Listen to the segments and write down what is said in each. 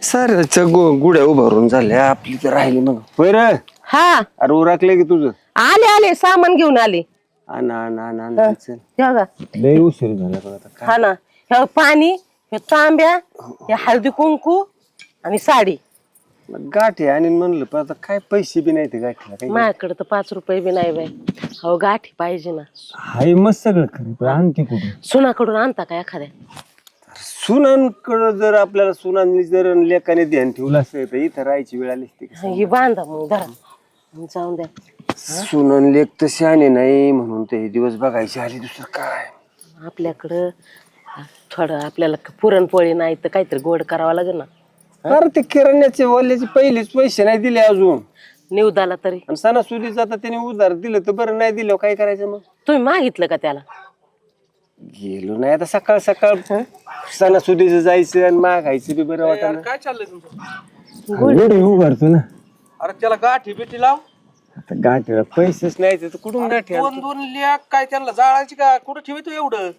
साऱ्याच्या गुड्या उभारून झाल्या आपली तर राहिली मग होय रे. हा अरे उरकले की तुझं आले आले सामान घेऊन आले. चल हे बघा. लय उशीर झाला बघ आता काय. हा ना हे पाणी हे तांब्या हे हळदी कुंकू आणि साडी. मग गाठी आणि म्हणलं पण आता काय पैसे बी नाही ते गाठीला काही माझ्याकडे तर 5 रुपये बी नाही बाई. हो गाठी पाहिजे ना. हाय मस्त सगळं खरं पण आणते कुठे सुनाकडून आणता का एखाद्या. सुनांकडं जर आपल्याला सुनांनी जर लेखाने ध्यान ठेवलं असतं तर इथं राहायची वेळ आली असती का? ही बांधा मग धरा जाऊन द्या. सुनन लेख तर शहाणे नाही म्हणून ते हे दिवस बघायचे आले दुसरं काय. आपल्याकडं थोडं आपल्याला पुरणपोळी नाही तर काहीतरी गोड करावं लागेल ना. अरे ते किराण्याचे वाल्याचे पहिलेच पैसे नाही दिले अजून निवदाला तरी आणि सणासुदीचं आता त्याने उधार दिलं तर बरं नाही दिलं काय करायचं मग. तुम्ही मागितलं का त्याला. गेलो नाही आता सकाळ सकाळ सणासुदीचं जायचं आणि मागायचं बी बरं वाटत. काय चाललंय तुमचं? उभारतो ना अरे त्याला गाठी बिठी लाव. आता गाठीला पैसेच नाही तर कुठून गाठी दोन दोन लेख काय त्यांना जाळायची का कुठं ठेवतो एवढं?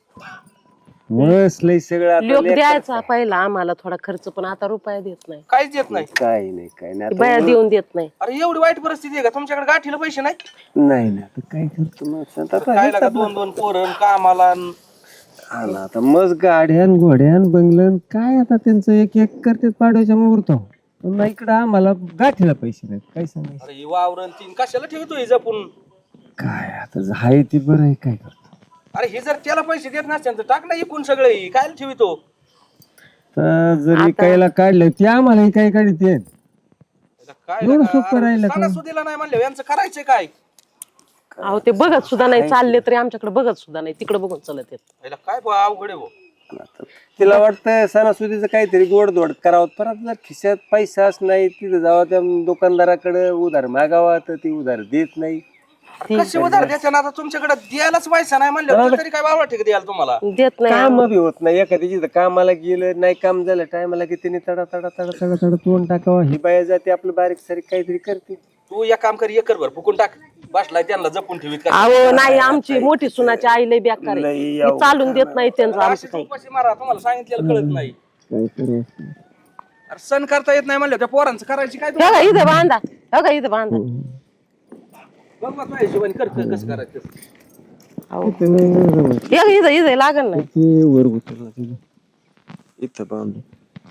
मस्त लय सगळं आता लोक लेकरं. द्यायचा पहिला आम्हाला थोडा खर्च पण आता रुपया देत नाही. काहीच येत नाही. काय नाही काय नाही आता बाया देऊन देत नाही. अरे एवढी वाईट परिस्थिती आहे का तुमच्याकडे गाठीला पैसे नाही? नाही ना आता काय करतो मग आता काय लागा दोन दोन पोरण कामाला हा ना आता मस्त गाड्यान घोड्यान बंगलन काय आता त्यांचं एक एक करते पाडव्याच्या मुहूर्त पण इकडं आम्हाला गाठीला पैसे नाहीत काय सांगायचं. अरे ही वावरण तीन कशाला ठेवतोय जपून? काय आता हाय ती बरं आहे काय करतो. अरे हे जर त्याला पैसे देत नसते तर टाक ना इकून सगळे काय ठेवतो? तर जरी कायला काढलं ते आम्हाला काय काढते काय एवढं सोपं राहिलं का? सणासुदीला नाही म्हणलं यांचं करायचं काय? अहो ते बघत सुद्धा नाही चालले तरी आमच्याकडे बघत सुद्धा नाही तिकडे बघून चलत येत. याला काय बुवा अवघड आहे बुवा. तिला वाटतं सणासुदीचं काहीतरी गोडधोड करावं परत जर खिशात पैसाच नाही तिथं जावं त्या दुकानदाराकडे उधार मागावा तर ती उधार देत नाही. कसे उधार द्यायचं ना आता तुमच्याकडे द्यायलाच पैसा नाही म्हणलं तरी काय बाबा ठीक द्याल तुम्हाला? देत नाही. काम बी होत नाही एखाद्याची तर कामाला गेलं नाही काम झालं टायमाला की तिने तडा तडा तडा तडा तडा तोंड टाकावा ही बाया जाते आपलं बारीक सारीक काहीतरी करते. तू एक काम कर एकर भर फुकून टाक बसलाय त्यांना जपून ठेवीत का? अहो नाही आमची मोठी सुनाची आई लय बेकार आहे. लई ती चालून देत नाही त्यांचं आमचं काही. उपाशी मारा तुम्हाला सांगितलेलं कळत नाही. काय करायचं अरे सण करता येत नाही म्हणलं त्या पोरांचं करायची काय? हे का इथं बांधा हे का इथं बांधा. बघ मग तुझ्या हिशोबाने कर कसं करायचं. अहो हे इथं इथं लागल ना. ते वर उतरला इथं बांधू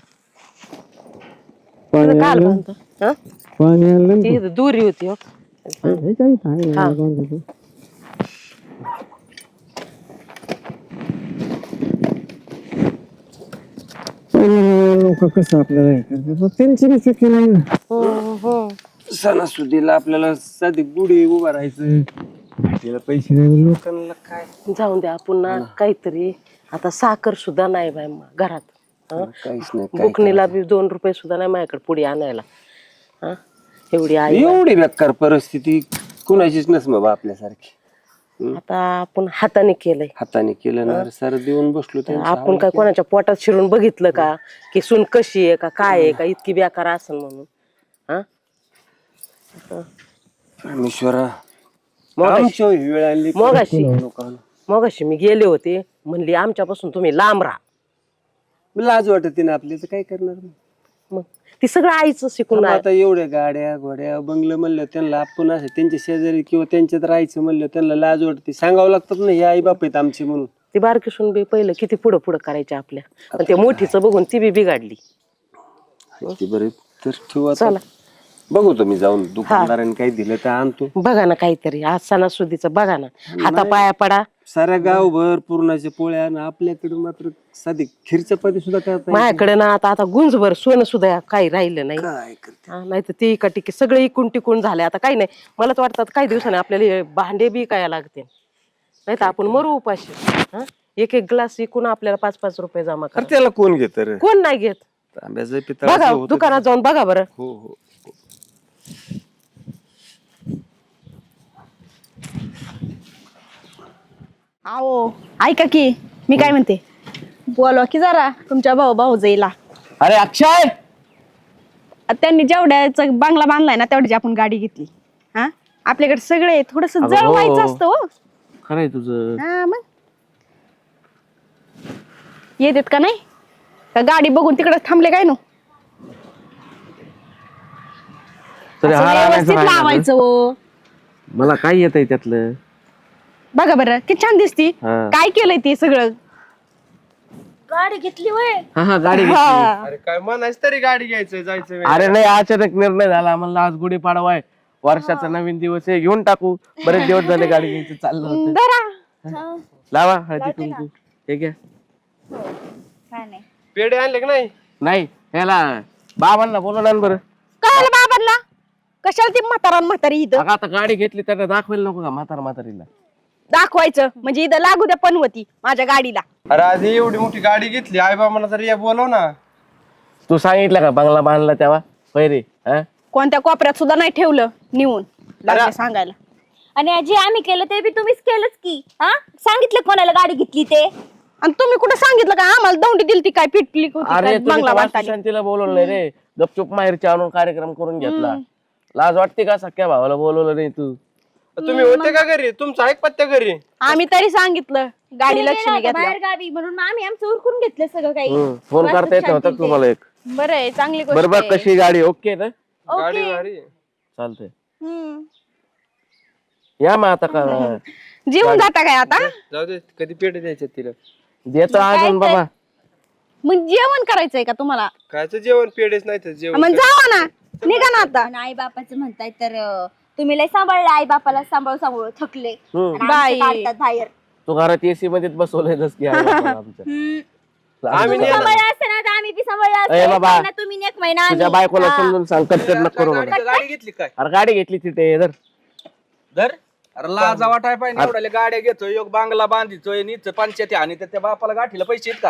इथं काल बांधतो. हं? पाणी आलं ती इथं दुरी होती हो. हा. कसं आपल्याला हे करते त्यांची बी चुकी नाही ना. हो हो सणासुदीला आपल्याला साधी गुढी उभा राहायचं भेटीला पैसे नाही लोकांना काय जाऊन द्या पुन्हा काहीतरी. आता साखर सुद्धा नाही बाय घरात. हं? काहीच नाही बुकणीला बी 2 रुपये सुद्धा नाही माझ्याकडे पुढे आणायला. हं? एवढी आई एवढी बेकार परिस्थिती कुणाचीच नस बाबा आपल्यासारखी. आता आपण हाताने केलंय. हाताने केलं ना सर देऊन बसलो आपण काय कोणाच्या पोटात शिरून बघितलं का की सून कशी आहे का काय आहे का इतकी बेकार असेल म्हणून. हा परमेश्वरा मगाशी आमच्या वेळ आली मगाशी मी गेले होते म्हणली आमच्यापासून तुम्ही लांब राहा. लाज वाटते ना आपली तर काय करणार मग ती सगळं आईचं शिकून आहे. आता एवढ्या गाड्या घोड्या बंगलं म्हणलं त्यांना आपण असं त्यांच्या शेजारी किंवा त्यांच्यात राहायचं म्हणलं त्यांना लाज वाटते सांगावं लागतात ना हे आई बाप आहेत आमचे म्हणून. ती बारकी सून बी पहिलं किती पुढं पुढं करायचे आपल्या पण त्या मोठीचं बघून ती बी बिघाडली. बरे तर ठेवू आता. चला बघू तुम्ही जाऊन दुकानदारांनी काही दिलं तर आणतो. बघा ना काहीतरी आज सणासुदीचं बघा ना हाता पाया पडा. साऱ्या गावभर पुरणाच्या पोळ्या आणि आपल्याकडे मात्र साधी खीर चपाती सुद्धा करता माझ्याकडे ना आता आता गुंजभर सोनं सुद्धा काही राहिलं नाही. काय करते नाही तर ते एका टिके सगळे इकून टिकून झाले. आता काही नाही मला तर वाटतं काही दिवसांनी आपल्याला हे भांडे बी काय लागते नाही तर आपण मरू उपाशी. हं? एक एक ग्लास इकून आपल्याला 5-5 रुपये जमा करा. त्याला कोण घेत रे कोण नाही घेत. तांब्याचं बघा पितळ दुकानात जाऊन बघा बरं. हो हो आओ ऐका की मी काय म्हणते बोलवा की जरा तुमच्या भाऊजाईला. अरे अक्षय त्यांनी जेवढ्याचा बंगला बांधलाय ना तेवढ्याची आपण गाडी घेतली. हा आपल्याकडे सगळे थोडस जळवायचं असतं हो. खरंय तुझं. हा मग येतात का नाही का गाडी बघून तिकडे थांबले काय नो. तरी असं हार आणायचा व्यवस्थित राहिला ना. लावायचं हो. मला काय येतंय त्यातलं. बघा बरं किती छान दिसती. हा. काय केलंय ते सगळं. गाडी घेतली वय हा गाडी घेतली. हा. अरे काय म्हणायचं तरी गाडी घ्यायचं जायचं अरे नाही अचानक निर्णय झाला म्हणलं आज गुढीपाडवा आहे, वर्षाचा नवीन दिवस आहे, घेऊन टाकू. बरेच दिवस झाले गाडी घ्यायचं चाललं होतं. धरा. लावा हळदी कुंकू. हे घ्या. काय नाही पेढे आणले की नाही? नाही ह्याला बाबांना बोलवलं ना बरं. काय आलं बाबांना कशाला ती म्हातारी इथं अगं आता गाडी घेतली त्यांना दाखवायला नको का म्हातारीला. दाखवायचं म्हणजे इथं लागू द्या पनवती माझ्या गाडीला. अरे आधी एवढी मोठी गाडी घेतली आई बाबांना तरी बोलव ना. तू सांगितलं का बंगला बांधला तेव्हा पैरे कोणत्या कोपऱ्यात सुद्धा नाही ठेवलं निवून लागले सांगायला. आणि आजी आम्ही केलं ते बी तुम्हीच केलंच की हा सांगितलं कोणाला गाडी घेतली ते आणि तुम्ही कुठं सांगितलं का आम्हाला दौंडी दिली ती काय पिटली होती अरे काय तुम्ही बंगला तर बांधताना. वास्तुशांतीला बोलवलं नाही रे, गपचूप माहेरच्या आणून कार्यक्रम करून घेतला. लाज वाटते का सख्या भावाला बोलवलं नाही तू. तुम्ही होते का घरी? तुमचं आहे पत्त्या घरी? आम्ही तरी सांगितलं गाडी लक्ष्मी घेतल्या. बाहेर गावी म्हणून मग आम्ही आमचं उरकून घेतलं सगळं काही फोन करता येत नव्हता का तुम्हाला एक. बरं आहे चांगली गोष्ट बरोबर आहे. कशी गाडी ओके ना गाडी भारी. चालतंय. हम्म. या मग आता का जेवून जाता काय आता जाऊ दे कधी पेढे द्यायचे तिला. देतो अजून बाबा. मग जेवण करायचंय का तुम्हाला. कायचं जेवण पेढेच नाही तर जेवण. मग जावा ना निघा ना आता. आई बापाचं म्हणताय तर तुम्ही लय सांभाळलं आई बापाला सांभाळू थकले हम्म. आणि बाई. आमचं काढतात बाहेर तू घरात एसी मध्येच बसवलंय की आमच्या. आम्ही नाही सांभाळलं असतं ना तर आम्ही बी सांभाळलं असतं. ए एक बाबा. महिना तुम्ही आणि एक महिना तुझ्या आम्ही. बायकोला हा. समजून सांग कटकट नको करू म्हणून. गाडी घेतली काय? अरे गाडी घेतली तिथे जर धर. अरे लाजा वाटाय पाहिजे एवढ्या गाड्या घेतोय योग बांगला बांधितोय नीच पंचायती आणि त्या बापाला गाठीला पैसे आहेत का?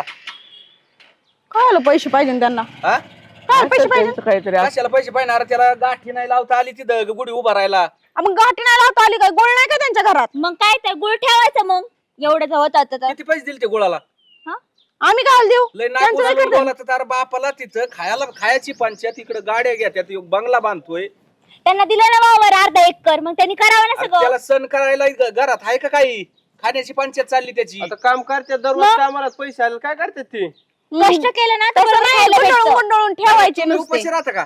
काय पैसे पाहिजे ना त्यांना. हा? काय पैसे पाहिजे त्यांचं काहीतरी असं. कशाला पैसे पाहिजे? अरे त्याला गाठी नाही लावता आली तिथं गुढी उभा राहिला. मग गाठी नाही लावता आली काय गोळ नाही का त्यांच्या घरात. मग काय तर गुळ ठेवायचं मग एवढं होत तर किती पैसे दिले ते गुळाला? आम्ही काय देऊ लय त्यांचं काय नागपूर करतात? बोला तर बापाला तिथं खायची पंचायत इकडे गाड्या घेत्यात योग बंगला बांधतोय. त्यांना दिलं ना वावर अर्धा एकर मग त्यांनी करावं ना अरे सगळं त्याला सण करायला घरात आहे का काही? खाण्याची पंचायत चालली त्याची. आता काम करतात दररोज कामाला पैसे आले काय करतात ते? कष्ट केलं ना तर तसं नाही, खायला भेटतं. गुंडाळून गुंडाळून ठेवायचे तुम्ही नुसते. उपाशी राहता का?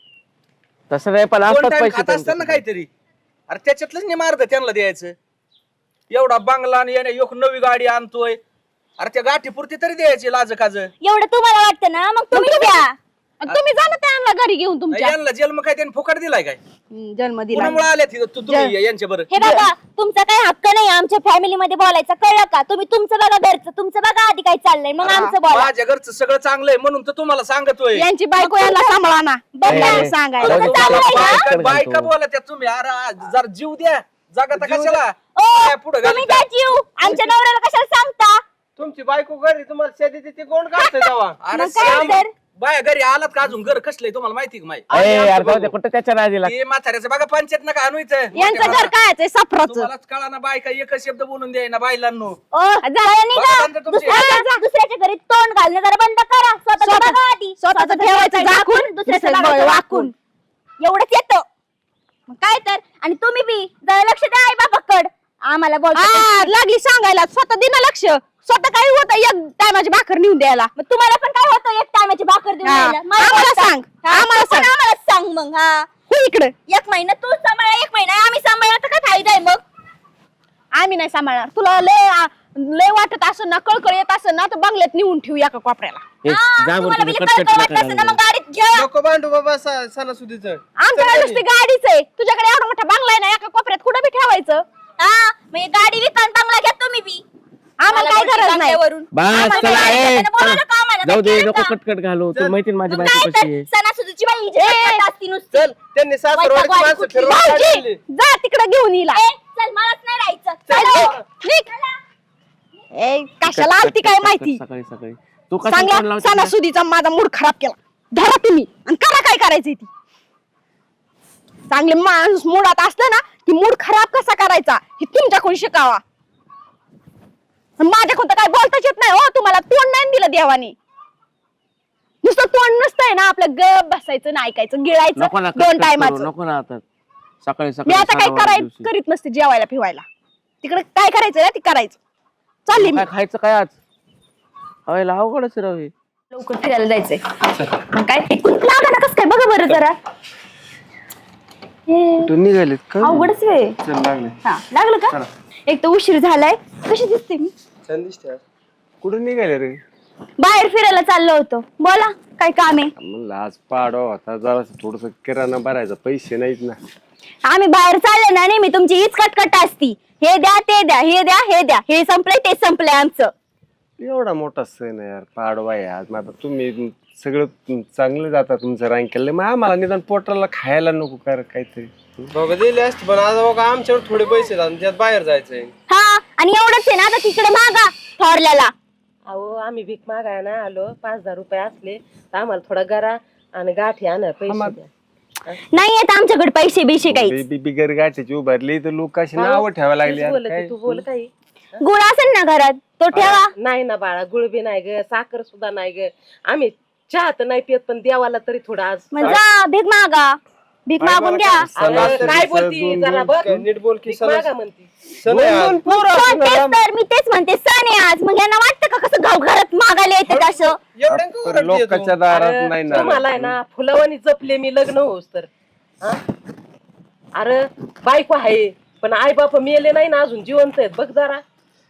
तसं नाही पण दोन असतात टाइम पैसे खात असताना त्यांच्याकडे. काहीतरी. अरे त्याच्यातलंच नाही मारत त्यांना द्यायचं. एवढा बंगला आणि याने एक नवी गाडी आणतोय. अरे त्या गाठी पुरती तरी द्यायची लाज काज. एवढं तुम्हाला वाटतं ना मग तुम्ही द्या आणि तुम्ही जा ना त्यांना घरी घेऊन तुमच्या. यांना जन्म काय त्यांनी फुकट दिलाय काय? जन्म दिला. कुणामुळे आल्या तिथं तुम्ही यांच्या बरं? हे बघा तुमचा काही हक्क नाही आमच्या फॅमिली मध्ये बोलायचा कळलं का तुम्ही तुमचं बघा घरचं तुमचं बघा आधी काय चाललंय मग आमचं बोला माझ्या घरचं सगळं चांगलंय म्हणून तर तुम्हाला सांगतोय. यांची बायको यांना सांभाळा ना. ए, सांगायला जाऊ दे, चांगलं आहे ना? बायका बायका घालतो. बोला त्या तुम्ही. अरे जरा जीव द्या जगाता कशाला ओ, पुढे तुम्ही त्या जीव आमच्या नवऱ्याला कशाला सांगता तुमची बायको घरी तुम्हाला शेती तिथे कोण काढतंय तेव्हा? अरे मग काय श्याम, तर? बाया घरी आलात का अजून घर कसलंय तुम्हाला माहिती का माहिती? ए, यार जाऊ दे, कुठं त्याच्या नादीला. ते म्हाताऱ्याचं बघा पंचायत नका आणू इथं. यांचं घर काय आहे सफराचं. तुम्हालाच कळा ना बायका एकच शब्द बोलून द्याय ना बायलांनो. ओ जरा निघा. बघा नंतर तुमची- दुसऱ्याच्या घरी तोंड घालणं जरा बंद करा स्वतःचं बघा आधी स्वतःचं ठेवायचं झाकून, दुसऱ्याचं दुसऱ्याचं बघायचं वाकून. एवढंच येतं मग काय तर. आणि तुम्ही बी जरा लक्ष द्या आई बापाकड आम्हाला बोलता हा, लागली सांगायला स्वतः दिना लक्ष. स्वतः काही होतं एक टायमाची भाकर नेऊन द्यायला. मग तुम्हाला पण काय होतं एक टायमाची भाकर देऊन हा. यायला? मला आम्हाला बोलता. सांग. हा, आम्हाला तू पण सांग. आम्हाला सांग मग हा हो इकडे एक महिना तू सांभाळ एक महिना आम्ही सांभाळला तर काय फायदा आहे मग? आम्ही नाही सांभाळणार. तुला लय वाटत असं ना कळकळ येत असं ना तर बंगल्यात नेऊन ठेवू एका कोपऱ्याला. ए, हा, जा बरं तुम्हाला तुम्ही बी कटकट कळकळ नका वाटत असेल ना घालू. मग गाडीत घ्या. नको भांडू बाबा सणासुदीचं. आमच्याकडे नुसती गाडीच आहे. तुझ्याकडे एवढा मोठा बंगला आहे ना एका कोपऱ्यात कुठं बी ठेवायचं. हा मग गाडी विकान चांगला घ्या तुम्ही बी. आम्हाला काही गरज नाही. वरून बस चला ए, चला. जाऊ दे नको काय कटकट घालू. तू माहिती ना माझी बायको तर कशी आहे. सणासुदीची बाई इज्जत असती नुसती. चल त्यांनी सासरवाडीची वैताग माणसं वाली फिरवून भाऊजी, काढली. जा तिकडे घेऊन येईल. ए, चल मलाच नाही राहायचं चल, चला. निघ. ए, कशाला आलती काय माहिती. सकाळी सकाळी तू कसं फोन चांगला लावते ना? सणासुदीचा माझा मूड खराब केला. धरा तुम्ही आणि करा काय करायचंय ती. चांगले माणूस मुडात असलं ना की मूड खराब कसा करायचा हे तुमच्याकडून शिकावा. माझ्याकडून तर काय बोलताच येत नाही हो. तुम्हाला तोंड नाही दिलं देवाने. नुसतं तोंड नसतंय ना आपलं गप बसायचं ना ऐकायचं गिळायचं नको ना दोन कटकट टायमाचं. करू, नको ना आता सकाळी मी सकाळी आता सहा काय दिवशी. करीत नसते जेवायला फिवायला. तिकडे काय करायचं ना ते करायचं. चालली मी. काय खायचं काय आज अवयला अवघडच राहू हे. लवकर फिरायला जायचंय मग काय लागा ना कस काय बघा बरं जरा हे तू निघालेत का अवघडच वेळ. चल लागले हा लागलं का? एक तर उशीर झालाय. कशी दिसते मी? छान दिसते कुठं निघाले रे बाहेर फिरायला चाललो होतो. बोला काय काम आहे? म्हणलं आज पाडो आता जरा थोडस किराणा भरायचा पैसे नाहीत ना आम्ही बाहेर चालले ना नेहमी तुमची हीच कटकट असती. हे द्या ते द्या हे द्या हे द्या. हे संपलंय ते संपलंय आमचं. एवढा मोठा सण आहे यार पाडवा आहे आज. मग आता तुम्ही सगळं चांगलं जाता तुमचं रँक केलं मग आम्हाला निदान पोटाला खायला नको कर काहीतरी बघा दिले असते पण आता बघा आमच्यावर थोडे पैसे आहेत आणि त्यात बाहेर जायचंय. हा आणि एवढंच आहे ना आता तिकडे मागा थोरल्याला. अहो आम्ही भीक मागाय ना आलो 5,000 रुपये असले तर आम्हाला थोडा गरा आणि गाठी आणा पैसे द्या. नाही येत आमच्याकडे पैसे बिशे काही. बेबी बिगर गाठीची उभारली तर लोक अशी नावं ठेवा लागली यार. बोल काय? की, तू बोल काही. गुळ असेल ना घरात तो ठेवा. नाही ना बाळा गुळबी नाही ग साखर सुद्धा नाही ग. आम्ही चहा तर नाही पित पण देवाला तरी थोडं आज मग जा भीक मागा. भीक मागून घ्या. अरे, काय बोलती जरा बघ नीट बोल की भीक मागा म्हणती. सण आहे आज. पण तेच तर मी तेच म्हणते सण आहे आज. मग यांना वाटतं का कसं गाव घरात मागायला येते असं? एवढ्या का पण ओरडतेय तू? लोकांच्या दारात अरे, नाही ना तुम्हाला आहे ना फुलवानी जपले मी लग्न होस तर हा? अरे बायको आहे पण आई बाप मेले नाही ना अजून जिवंत आहेत बघ जरा.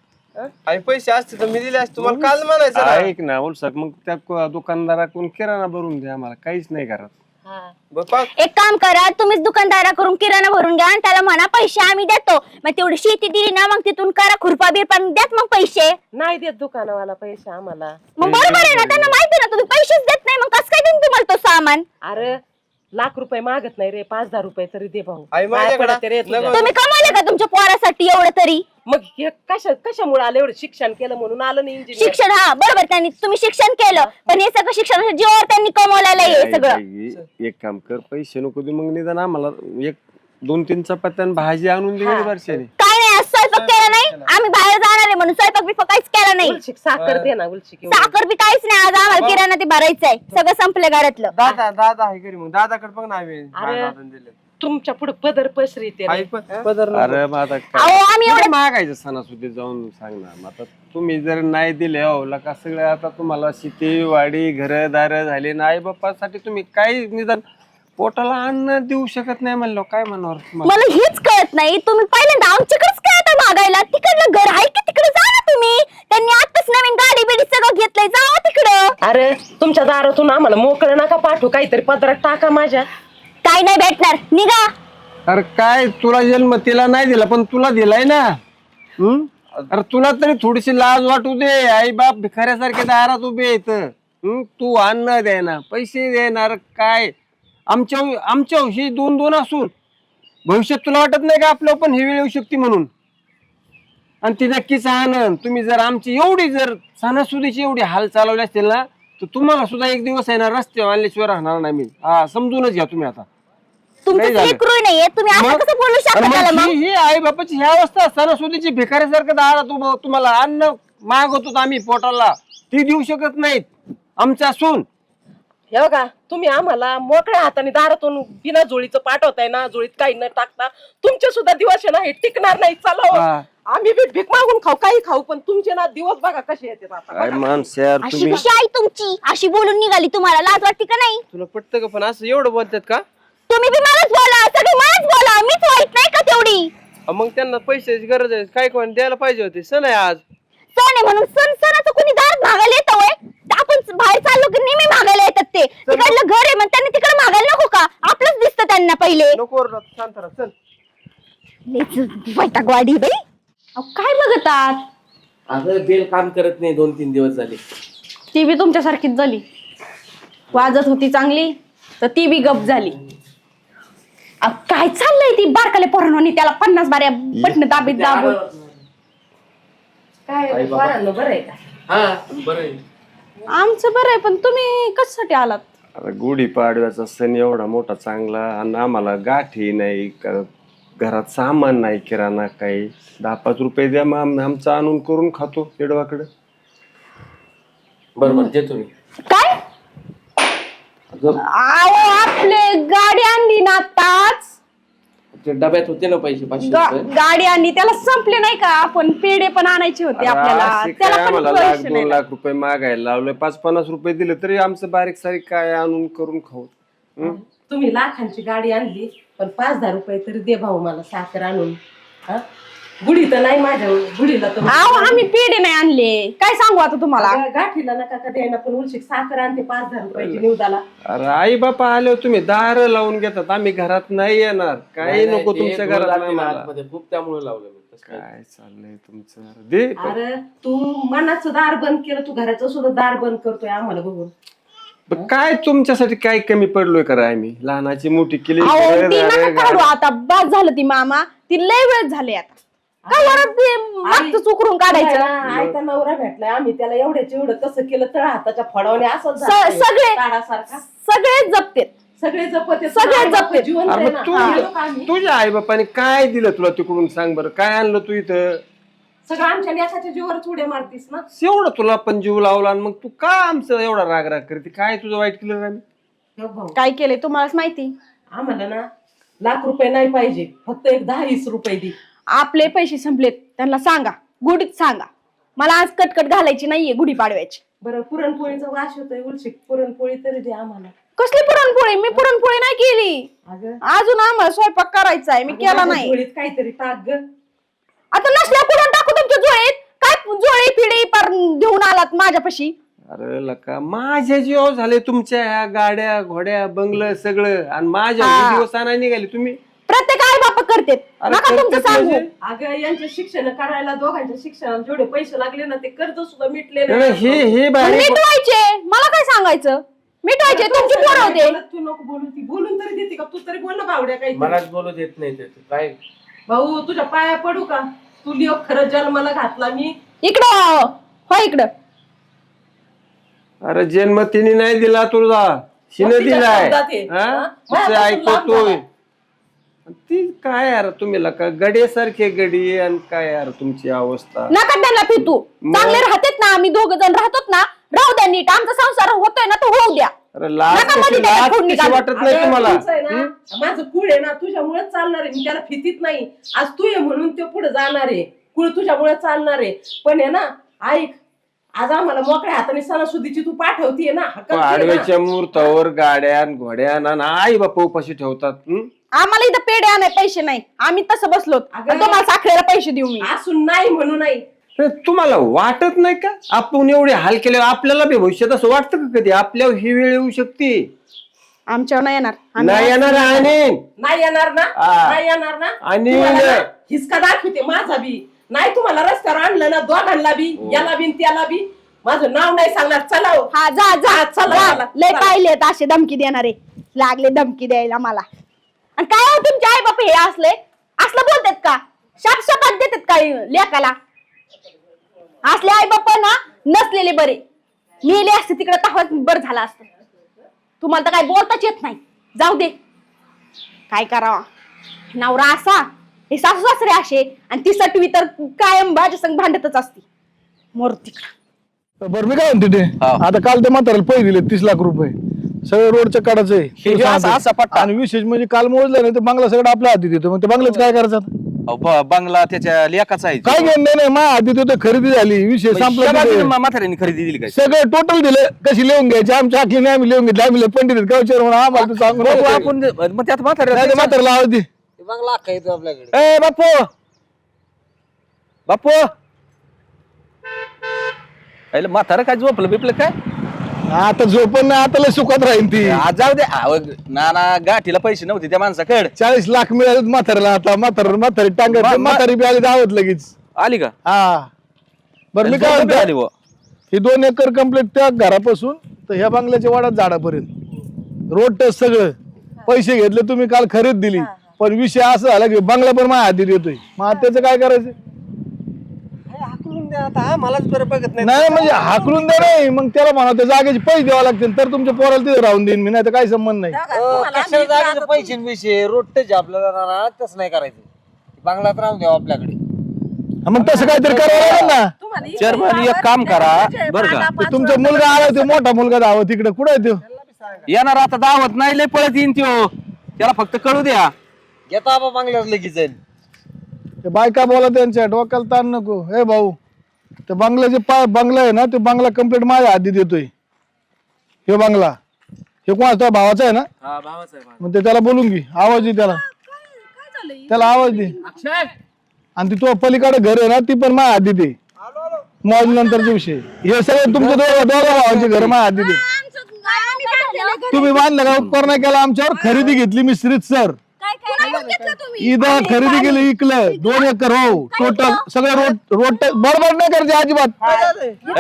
आई पैसे असते तर मी दिले असते तुम्हाला काल म्हणायचं ना. ऐक ना उलसक मग त्या दुकानदाराकडून किराणा भरून द्या आम्हाला काहीच नाही करत हा. बघ पाक. एक काम करा तुम्हीच दुकानदाराकडून किराणा भरून घ्या आणि त्याला म्हणा पैसे आम्ही देतो. मग तेवढी शेती दिली ना मग तिथून करा खुरपा बिरपा द्यात मग पैसे. नाही देत दुकानवाला पैसे आम्हाला. मग बरोबर आहे ना त्यांना माहिती ना तुम्ही पैसेच देत नाही मग कसं काय देईन तुम्हाला तो सामान? अरे ₹1,00,000 मागत नाही रे 5,000 रुपये तरी दे भाऊ. आई माझ्याकडे पाया पडते रे तुझ्या. नको. तुम्ही कमावले का तुमच्या पोरासाठी एवढं तरी? मग हे कशामुळे आलं एवढं शिक्षण केलं म्हणून आलं नाही इंजिनियर. शिक्षण हा बरोबर त्यांनी तुम्ही शिक्षण केलं पण हे सगळं शिक्षणाच्या जीवावर त्यांनी कमवलेलं आहे हे सगळं. एक काम कर पैसे नको दे मग निदान आम्हाला 1-2-3 चपात्या आणि भाजी आणून दे वर्षाने. काय नाही आज स्वयंपाक केला नाही आम्ही बाहेर जाणार आहे म्हणून स्वयंपाक बिपाक काहीच केला नाही. उलशिक साखर दे ना उलशिक एवढी. साखर बी काहीच नाही आज आम्हाला किराणा ते भरायचंय सगळं संपलं घरातलं. दादा आहे घरी मग दादाकडे बघ ना आम्ही अरे. दादाने दिले. तुमच्या पुढे पदर पसरी ते आई पदर नको. अरे मग आता अहो आम्ही काय एवढं मागायचं सणासुदी जाऊन सांग ना मग आता तुम्ही जर नाही दिले हो का सगळं आता तुम्हाला शेती वाडी घरदार झाले ना आई बाप्पासाठी तुम्ही काही निदान पोटाला अन्न देऊ शकत नाही म्हणलं काय म्हणावर तुम्हाला. मला हेच कळत नाही तुम्ही पहिल्यांदा आमच्याकडेच काय आता मागायला? तिकडलं घर आहे की तिकडे जा ना तुम्ही. त्यांनी आताच नवीन गाडी बिडी सगळं घेतलंय जावा तिकडं. अरे तुमच्या दारातून आम्हाला मोकळं नका पाठवू काहीतरी पदरात टाका माझ्या. काय नाही भेटणार निघा. अरे काय तुला जन्म तिला नाही दिला पण तुला दिलाय ना. अरे तुला तरी थोडीशी लाज वाटू दे. आई बाप भिकाऱ्यासारखे दारात उभे आहेत. तू अन्न दे ना पैसे देणार काय आमच्या ही 2-2 असून भविष्यात तुला वाटत नाही का आपलं पण ही वेळ येऊ शकते म्हणून. आणि ती नक्कीच आनंद तुम्ही जर आमची एवढी जर सणासुदीची एवढी हाल चालवले असतील ना तर तुम्हाला सुद्धा एक दिवस आहे ना रस्त्यावर आणल्याशिवाय राहणार नाही मी. हा समजूनच घ्या तुम्ही आता. तुमचं नाही झालं. लेकरू नाहीये तुम्ही असं मग? कसं बोलू शकता आणि त्याला मग मग? ही आई बापाची ह्या अवस्था सणासुदीची भिकाऱ्यासारखं दारात तुम्हाला अन्न मागवतो आम्ही पोटाला ती देऊ शकत नाहीत आमच्या असून. हे बघा तुम्ही आम्हाला मोकळ्या हाताने दारातून बिना जोळीचं पाठवताय ना जोळीत काही न टाकता तुमचे सुद्धा दिवस आहे ना हे टिकणार नाही. चला हो. हा. आम्ही बी भीक मागून खाऊ काही खाऊ पण तुमचे ना दिवस बघा कसे येतात आता. काय माणसं यार अशी तुम्ही. कशी आई तुमची अशी बोलून निघाली तुम्हाला लाज वाटते का नाही? तुला पटतं का पण असं एवढं बोलतात का? तुम्ही बी मलाच बोला सगळी मलाच बोला मीच वाईट नाही का तेवढी? मग त्यांना पैशाची गरज आहे काय कोण द्यायला पाहिजे होते. सण आहे आज. सण आहे म्हणून सणाचं कोणी दारात भागायला येतं होय? आपण बाहेर चाललो की नेहमी मागायला येतात ते. तिकडलं घर आहे मग त्यांनी तिकडे मागायला नको का? आपलंच दिसतं त्यांना पहिले. नको ओरडत, शांत राहा चल. वैतागवाडी बाई. अहो, काय बघतात? अगं बेल काम करत नाही 2-3 दिवस झाले. ती बी तुमच्यासारखीच झाली. वाजत होती चांगली तर ती बी गप झाली. अहो, काय चाललंय ती बारकाले पोरांनी त्याला 50 बाऱ्या बटन दाबीत दाबून. काय पोरांनो बरं आहे का? हा बरं आहे. आमचं बरं आहे पण तुम्ही कशासाठी आलात? आता गुढीपाडव्याचा सण एवढा मोठा चांगला आणि आम्हाला गाठी नाही घरात सामान नाही किराणा काही 10-5 रुपये द्या मग आमचं आणून करून खातो तेडवाकडे. बरोबर देतो मी. काय अहो आपले गाडी आणली ना आताच. ते डब्यात होते ना पैसे 500 रुपये. गाडी आणली त्याला संपले नाही का? आपण पेढे पण आणायचे होते आपल्याला असे काय त्याला पण आम्हाला पैसे 1-2 नाही. लाख रुपये मागायला लावले 5-50 रुपये दिले तरी आमचं बारीक सारीक काय आणून करून खाऊ. तुम्ही लाखांची गाडी आणली पण 5-10 रुपये तरी दे भाऊ मला साखर आणून. हा गुढी तर नाही माझ्या गुढीला तर अहो आम्ही पेढे नाही आणले, काय सांगू आता तुम्हाला. अगं, गाठीला नका का द्यायला, पण उलशी साखर आणते 5-10 रुपयाची निवदाला. अरे आई बापा आले तुम्ही दार लावून घेतात, आम्ही घरात नाही येणार. काही नको तुमच्या घरात नाही मला. खूप त्यामुळे लावलं मी. तसं काय. काय चाललंय तुमचं दे. अरे तू मनाचं दार बंद केलं, तू घराचं सुद्धा दार बंद करतोय आम्हाला बघून. पण काय तुमच्यासाठी काय कमी पडलोय करा आम्ही लहानाची मोठी केली. अहो ती नका काढू आता, बस झालं ती मामा, ती लय वेळ झाले आता. काय वरच ते मागचं चुकरून काढायचं. आयता नवरा भेटलाय, आम्ही त्याला एवढ्याच एवढं कसं केलं तर हाताच्या फडावणे असं सगळे सगळे जपतेत, सगळे जपते, सगळे जपते. जीवन अरे मग तुझ्या आई बापाने काय दिलं तुला तिकडून सांग बरं, काय आणलं तू इथं? सगळं आमच्या लेखाच्या जीवावर उड्या मारतीस ना. एवढं तुला पण जीव लावला आणि मग तू का आमचं एवढा राग राग करते? काय तुझं वाईट केलं आम्ही? हे भाऊ, काय केलंय तुम्हालाच माहिती. आम्हाला ना लाख रुपये नाही पाहिजे, फक्त एक 10-20 रुपये दे. आपले पैसे संपलेत, त्यांना सांगा, गुढीत सांगा मला आज कटकट घालायची नाहीये गुढी पाडव्याची. बरं पुरणपोळीचा वास होतोय उलशी, पुरणपोळी तरी दे आम्हाला. कसली पुरणपोळी? मी पुरणपोळी नाही केली अगं अजून, आम्हाला स्वयंपाक करायचा आहे, मी केला माझ्या नाही. जोडीत काहीतरी टाक ग. आता नसल्या पुरण टाकू तुमच्या जोळीत, काय जोळी पिढी पर घेऊन आलात माझ्यापाशी. अरे लका माझ्या जीव झाले तुमच्या ह्या गाड्या घोड्या बंगलं सगळं, आणि माझ्या दिवस नाही निघाले तुम्ही. प्रत्येक आई बाप करतेत, अरे नका तुमचं करतेत सांगू. म्हणजे? अगं यांचे शिक्षण करायला, दोघांच्या शिक्षणाला जेवढे पैसे लागले ना ते कर्ज सुद्धा मिटले नाही, नाही, हे मग बाहेर मिटवायचे, मला काय सांगायचं, मिटवायचे तुमची पोरं होते. तू नको बोलू, ती बोलून तरी देते का? तू तरी बोल ना आवड्या काही. मलाच बोलू देत नाही ते. तू काय भाऊ तुझ्या पाया पडू का? तू लिओ खरं जन्माला घातला मी. इकडं हो, इकडं. अरे जन्म तिने नाही दिला तुझा, शिने तिच्या दिलाय. शब्दात आहे. हा? हा? तिचं माझ्यापासून लांब ऐकतोय. झाला. ती काय यार तुम्ही लका गड्यासारखे गडी, आणि काय यार तुमची अवस्था. नका त्यांना फितू, चांगले राहतेत ना, आम्ही 2 जण राहतो ना, राहू द्या नीट, आमचा संसार होतोय ना तो होऊ द्या. अरे लाज नका मध्ये कशी त्याला लाज फोडणी कशी घालू. वाटत नाही अगं, तुम्हाला? तुमचं आहे ना, माझं कुळ आहे ना तुझ्यामुळे चालणार आहे. मी त्याला फितीत नाही, आज तू ये म्हणून ते पुढे जाणार आहे. कुळ तुझ्यामुळे चालणार आहे. पण आहे ना ऐक, आज आम्हाला मोकळ्या हाताने सणासुदीची तू पाठवतीये ना, हक्काची आहे ना. आडव्याच्या मुहूर्तावर गाड्या घोड्या आणि आई बापा उपाशी ठेवतात. आम्हाला इथं पेढे आणाय पैसे नाही, आम्ही तसं बसलो, अगं, आणि तुम्हाला साखरेला पैसे देऊ मी. असून नाही म्हणू नाही. तर तुम्हाला वाटत नाही का आपण एवढे हाल केले? आपल्याला बी भविष्यात असं वाटतं का कधी आपल्यावर ही वेळ येऊ शकते? आमच्यावर नाही येणार. आम्ही नाही येणार. आणि नाही येणार ना, हा. नाही येणार ना. आणि तुम्हाला ना हिसका दाखवते माझा बी. नाही तुम्हाला रस्त्यावर आणलं ना दोघांना बी, याला बी त्याला बी. माझं नाव नाही सांगणार. चला हो. हा जा जा चला, जा. चला, लय चला. पाहिलेत असे धमकी देणारे, लागले धमकी द्यायला मला. आणि काय हो तुमचे आई बाप हे असलं बोलतात का? शाप देतात का लेकाला? असले आई बाप ना नसलेले बरे, मेले असते तिकडे तहाच बरं झालं असतं. तुम्हाला तर काय बोलताच येत नाही. जाऊ दे, काय करावा. नवरा असा, हे सासू सासरे असे, आणि ती सटवी तर कायम माझ्या संग भांडतच असते. मोर तिकडं. बरं मी काय म्हणते ते, आता काल ते म्हाताऱ्याला पैसे दिले 30 लाख रुपये, सगळं रोडच्या काढायचं आहे. हे तुला असा सांगतो. पट्टा. आणि विशेष म्हणजे काल मोजलं नाही तर बंगला सगळं आपल्या हाती देतो. मग ते बंगल्यात काय करायचं आता? बंगला त्याच्या लेखाचा आहे. काय घेणं नाही माझ्या हाती देतो, खरेदी झाली, विषय संपला. तिथे. म्हाताऱ्यांनी खरेदी दिली काय? सगळं टोटल दिलं. कशी लिहून घ्यायची आमच्या आखीने आम्ही लिहून घेतली. आम्ही पंडित आहेत, गावचे म्हणून आम्हाला तू सांगू बघू नको. आपण मग त्यात नाही ते म्हाताऱ्याला आवाज दे. ए बापू, बापू म्हातारा काय झोपलं बिपलं काय? आता झोपण नाही, आता लय सुखात राहील ती. आज जाऊ दे. नाना गाठीला पैसे नव्हते त्या माणसाकडे. 40 लाख मिळाले म्हाताऱ्याला. आता म्हातारी टांगत म्हातारी बी आली दावत लगेच. आली का? हा बरं मी काय आली म्हणतो, बुवा. ही 2 एकर कंप्लीट त्या घरापासून तर ह्या बंगल्याच्या वाड्यात झाडापर्यंत रोड टच सगळं. पैसे घेतले तुम्ही, काल खरेदी दिली, पण विषय असा झाला की बंगला पण माझ्या हाती देतोय. मग त्याचं काय करायचं? आता मलाच बरं बघत नाही म्हणजे हाकलून द्या नाही, मग त्याला म्हणा त्या जागेचे पैसे द्यावे लागतील तर तुमच्या पोराला तिथे राहून देईन मी, नाही तर काही संबंध नाही. पैसे रोडच आपल्याला तसं नाही करायचं. बंगलात राहून द्यावं आपल्याकडे. मग तसं काहीतरी करावं लागेल ना. चेअरमन एक काम करा बरं का. ते तुमचा मुलगा आला, तो मोठा मुलगा धावत तिकडे. कुठे आहे तो? येणार आता दावत नाही, लय पळत येईन त्यो. त्याला फक्त कळू द्या. घेता बाबा बंगल्यात लगेच जाईल. ते बायका बोला त्यांच्या डोक्याला ताण नको. हे भाऊ, ते बंगल्याचे बंगला आहे ना, ते बंगला कंप्लीट माझ्या हाती देतोय. हे बंगला हे कोणाचा भावाचा आहे ना? हा भावाचा आहे. मग ते त्याला बोलून घे, आवाज दे त्याला. त्याला आवाज दे. आणि ती तो पलीकडे घर आहे ना ती पण माझ्या आधी दे. मॉल नंतरचे विषय हे सगळे तुमचे दोघं भावांचे घर माझ्या आधी दे. तुम्ही बांधलं का उपकार नाही केला आमच्यावर. खरेदी घेतली मी सर इथं खरेदी केली इकलं 2 एकर हो टोटल सगळं रोड बरोबर नाही करायचे अजिबात.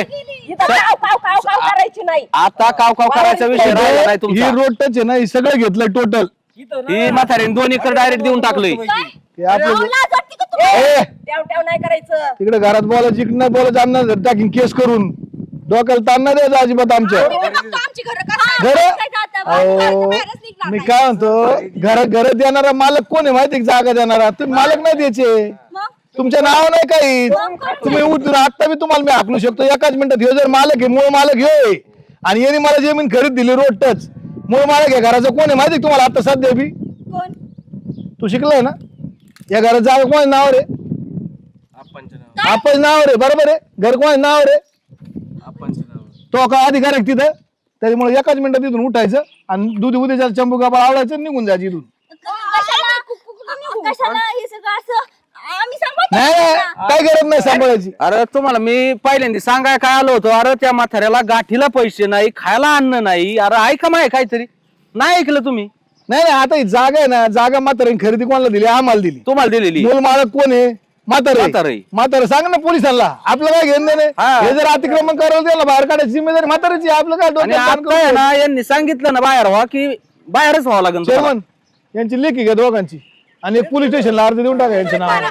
करायची नाही. आता काव करायचा विषय राहिला नाही ही तुमचा. रोड टच आहे ना हे सगळं घेतलंय टोटल. ही म्हातारीने 2 एकर डायरेक्ट देऊन टाकलंय. ते आपलं ट्याव नाही करायचं. तिकडे घरात बोलायची इकडे बोलायचं आणणार टाकीन केस करून डोक्याला ताण नाही द्यायचं अजिबात आमच्या घर. अहो मी काय म्हणतो घरात देणारा मालक कोण आहे माहिती जागा देणारा तुम्ही मालक नाही द्यायचे. तुमच्या नाव नाही काही तुम्ही आता मी तुम्हाला मी हाकलू शकतो एकाच मिनिटात. ह्यो जर मालक आहे मूळ मालक ह्यो आणि यांनी मला जमीन खरीद दिली रोड टच मूळ मालक आहे घराचं कोण आहे माहिती तुम्हाला आता सध्या बी. तू शिकलाय ना या घरात जागा कोण नावावर आहे. आपण नावावर आहे बरोबर आहे. घर कोण नावावर आहे तो का अधिकार आहे तिथं. त्याच्यामुळे एकाच मिनिटात तिथून उठायचं आणि दूध उद्याच्या चंबू कापड आवडायचं निघून जायचं इथून. नाही काय गरज नाही सांभाळायची. अरे तुम्हाला मी पहिल्यांदा सांगाय काय आलो होतो. अरे त्या म्हाताऱ्याला गाठीला पैसे नाही खायला अन्न नाही. अरे ऐका माय काहीतरी नाही ऐकलं तुम्ही. नाही आता ही जागा आहे ना जागा म्हाताऱ्याने खरेदी कोणाला दिली आम्हाला दिली. तुम्हाला दिलेली मूळ मालक कोण आहे म्हातारे. म्हातारे सांग ना पोलिसांना आपलं काय घेणं नाही. हे जर अतिक्रमण करायला त्याला बाहेर काढायची जिम्मेदारी म्हाताऱ्याची. आपलं काय आणि आता आहे ना यांनी सांगितलं ना बाहेर व्हा की बाहेरच व्हावं लागेल. चेअरमन यांची लेखी घ्या दोघांची आणि पोलीस स्टेशनला अर्ज देऊन टाका यांच्या नावावर.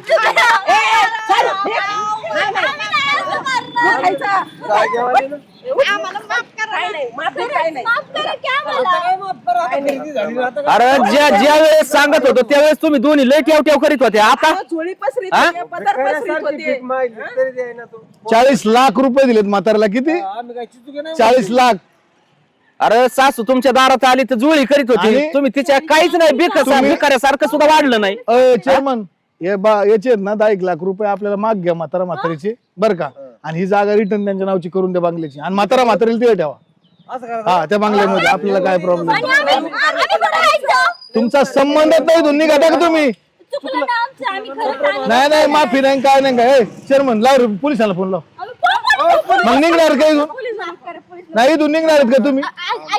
अरे ज्या वेळेस सांगत होतो त्यावेळेस तुम्ही दोन्ही लय ठेव करीत होते. आता झोळी पसरीत होते, पदर पसरीत होते. 40 लाख रुपये दिलेत म्हाताऱ्याला. किती 40 लाख. अरे सासू तुमच्या दारात आली तर जुळी करीत होती. आणि तुम्ही तिच्या काहीच नाही भिकाऱ्यासारखं सुद्धा वाढलं नाही. चेअरमन याचे ना 10 लाख रुपये आपल्याला माग घ्या म्हातारीचे बरं का. आणि ही जागा रिटर्न त्यांच्या नावची करून द्या बांगल्याची आणि म्हातारीला ते ठेवा. हा त्या बांगल्यामध्ये आपल्याला काय प्रॉब्लेम. तुमचा संबंधच नाही दोन्ही घटा का तुम्ही. नाही माफी नाही काय नाही काय. चेअरमन लाव पोलिसांना फोन लाव. मग निघणार काय नाही इथून निघणार आहेत का तुम्ही.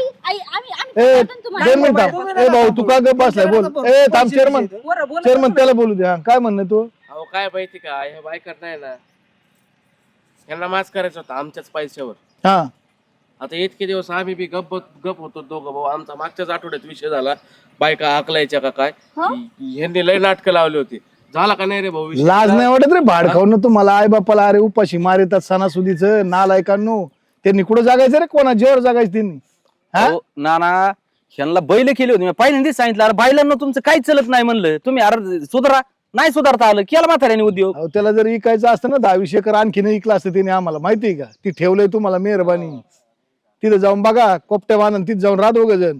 2 मिनिट ए भाऊ तू का गप बसलाय बोल. ए थांब चेअरमन त्याला बोलू दे. काय म्हणणं तू. अहो काय माहिती का हे बायकर नाही ना यांना मास करायचा होता आमच्याच पैशावर. हा आता इतके दिवस आम्ही बी गप होतो दोघं भाऊ. आमचा मागच्याच आठवड्यात विषय झाला बायका हाकलायच्या का काय. यांनी लय नाटकं लावली होती. झाला का नाही रे भाऊ विषय. लाज नाही वाटत रे भाड खाऊन तुम्हाला आई बापाला. अरे उपाशी मारितात सणासुदीचं नालायकांनो. त्यांनी कुठं जागायचं रे कोणा जेवर जागायचं त्यांनी. नाना ह्यांना बैल केली होती. मी पहिल्यांदाच सांगितलं अरे बायलांना तुमचं काहीच चलत नाही म्हणलं. तुम्ही अरे सुधारा नाही सुधारता आलं केला म्हाताऱ्याने उद्योग. त्याला जर इकायचं असतं ना 10-20 एकर आणखीन इकलं असतं त्याने आम्हाला माहितीये का. ती ठेवलंय तुम्हाला मेहरबानी. तिथं जाऊन बघा कोपट्या बांधून तिथं जाऊन राहा दोघं जण.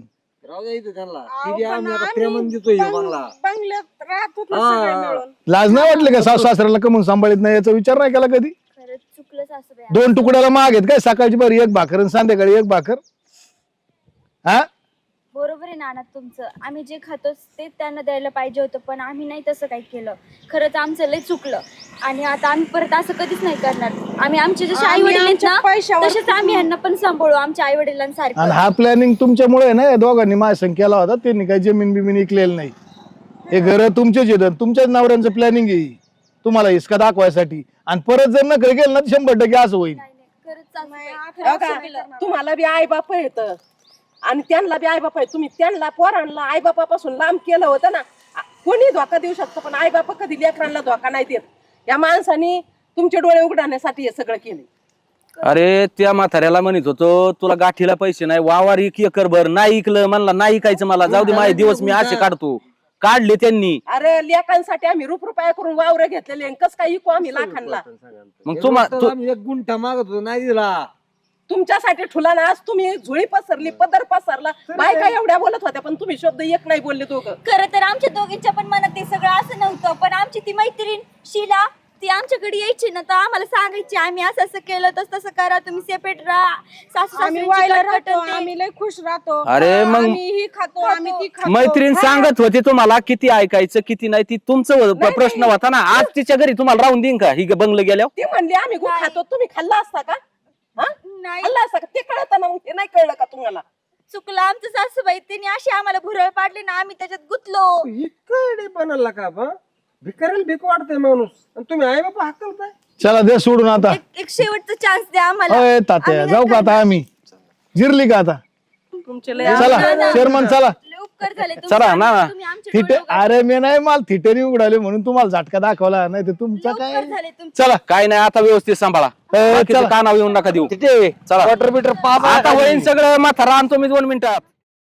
लाज नाही वाटले का सासू सासऱ्याला कमून सांभाळत नाही याचा विचार नाही केला कधी. चुकलं 2 तुकड्याला माग आहेत काय सकाळची बरं 1 भाकर आणि संध्याकाळी 1 भाकर. हा बरोबर आहे नाना तुमचं. आम्ही जे खातो ते त्यांना द्यायला पाहिजे होतं पण आम्ही नाही तसं काही केलं. खरंच आमचं लय चुकलं आणि आता आम्ही परत असं कधीच नाही करणार. आम्ही आमचे जसे आई वडील आहेत ना तसेच आम्ही यांना पण सांभाळू आमच्या आई वडिलांसारखं. आणि हा प्लॅनिंग तुमच्यामुळे ना या दोघांनी माझ्या केला होता. त्यांनी काही जमीन बिमीन इकलेलं नाही. हे घर तुमचेच येतात तुमच्याच नवऱ्यांचं प्लॅनिंग आहे तुम्हाला हिसका दाखवायसाठी. आणि परत जर नकल केलं ना 100% असं होईल. तुम्हाला बी आई बाप येत आणि त्यांना बी आई बाप आहे. तुम्ही त्यांना पोरांना आई बापापासून लांब केलं होतं ना. कोणी धोका देऊ शकतं पण आई बाप कधी लेकरांना धोका नाही देत. या माणसाने तुमचे डोळे उघडण्यासाठी हे सगळं केले. अरे त्या म्हाताऱ्याला म्हणत होतो तुला गाठीला पैसे नाही वावर 1 एकर भर नाही इकलं म्हणला नाही इकायचं मला जाऊ दे माझे दिवस मी असे काढतो. काढले त्यांनी. अरे लेकांसाठी आम्ही रुपया करून वावर घेतलेले कस काय इकू आम्ही लाखांना. मग तुम्हाला 1 गुंठा मागत होतो नाही दिला. तुमच्यासाठी ठुला ना आज तुम्ही झोळी पसरली पदर पसरला. बायका एवढ्या बोलत होत्या पण तुम्ही शब्द एक नाही बोलले दोघं. खरं तर आमच्या दोघींच्या पण मनात ते सगळं असं नव्हतं पण आमची ती मैत्रीण शीला ती आमच्याकडे यायची ना तर आम्हाला सांगायची आम्ही असं असं केलं तसं करा, तुम्ही सेपरेट राहा, सासू आम्ही सासऱ्यांची वायला कटकट राहतो, आणि ते. आम्ही लय खुश राहतो. अरे मग आम्ही ही खातो, आम्ही ती खातो. मैत्रीण सांगत होती तुम्हाला किती ऐकायचं किती नाही, ती तुमचं प्रश्न होता ना. आज तिच्या घरी तुम्हाला राहून देईन का ही बंगलं गेल्यावर? ती म्हणली आम्ही खूप खातो, तुम्ही खाल्ला असता का? हा? नाही खाल्ला असता का? ते कळत ना, मग हे नाही कळलं का तुम्हाला? चुकलं आमचं सासूबाई, त्यांनी अशी आम्हाला भुरळ पाडली ना, आम्ही त्याच्यात गुतलो. इकडे बनायला का बा भिकाऱ्याला भीक वाटते माणूस आणि तुम्ही आई बाबा हाकलताय. चला दे सोडून आता. एक शेवटचा चान्स द्या आम्हाला. अय तात्या जाऊ का आता आम्ही? जिरली का आता? तुमचे लय चला चेअरमन चला. लय उपकार झाले तुमचे. चला ना. तुम्ही आमचे थिटे डोळे उघडले. अरे मी नाही मला थिटेने उघडाले म्हणून तुम्हाला झटका दाखवला, नाही तर तुमचा लय काय. उपकार झाले तुमचे. चला काय नाही, आता व्यवस्थित सांभाळा. बाकीचं चला. कानावर येऊन नका देऊ. तिथे चला वॉटर मीटर पाप आता होईन सगळं. म्हातारा आणतो मी 2 मिनिटात.